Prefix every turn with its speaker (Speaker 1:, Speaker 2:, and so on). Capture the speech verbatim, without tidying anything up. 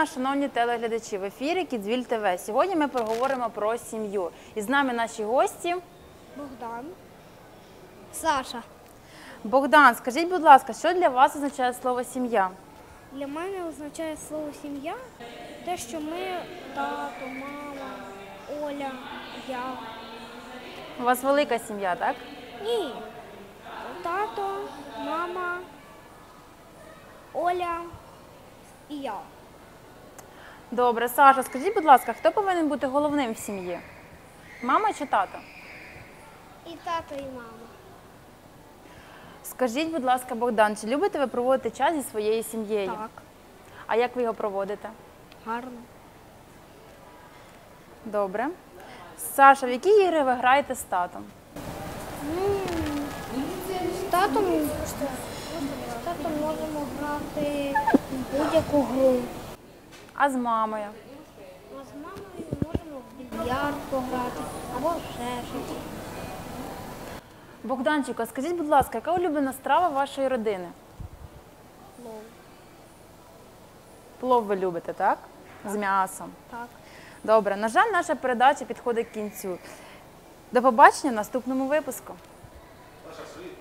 Speaker 1: дня, шановні телеглядачі! В ефірі Кідзвіль ТВ. Сьогодні ми поговоримо про сім'ю. І з нами наші гості.
Speaker 2: Богдан. Саша.
Speaker 1: Богдан, скажіть, будь ласка, що для вас означає слово «сім'я»?
Speaker 2: Для мене означає слово «сім'я» те, що ми тато, мама, Оля, я.
Speaker 1: У вас велика сім'я, так?
Speaker 2: Ні. Тато, мама, Оля і я.
Speaker 1: Добре, Саша, скажіть, будь ласка, хто повинен бути головним в сім'ї? Мама чи тато?
Speaker 2: І тато, і мама.
Speaker 1: Скажіть, будь ласка, Богдан, чи любите ви проводити час зі своєю сім'єю?
Speaker 2: Так.
Speaker 1: А як ви його проводите?
Speaker 2: Гарно.
Speaker 1: Добре. Саша, в які ігри ви граєте з татом?
Speaker 2: Ну, з татом, з татом можемо грати в будь-яку гру.
Speaker 1: А з мамою?
Speaker 2: А з мамою можемо в більярд пограти або ще щось.
Speaker 1: Богданчику, скажіть, будь ласка, яка улюблена страва вашої родини?
Speaker 2: Плов.
Speaker 1: Плов ви любите, так? З м'ясом.
Speaker 2: Так.
Speaker 1: Добре, на жаль, наша передача підходить к кінцю. До побачення в наступному випуску.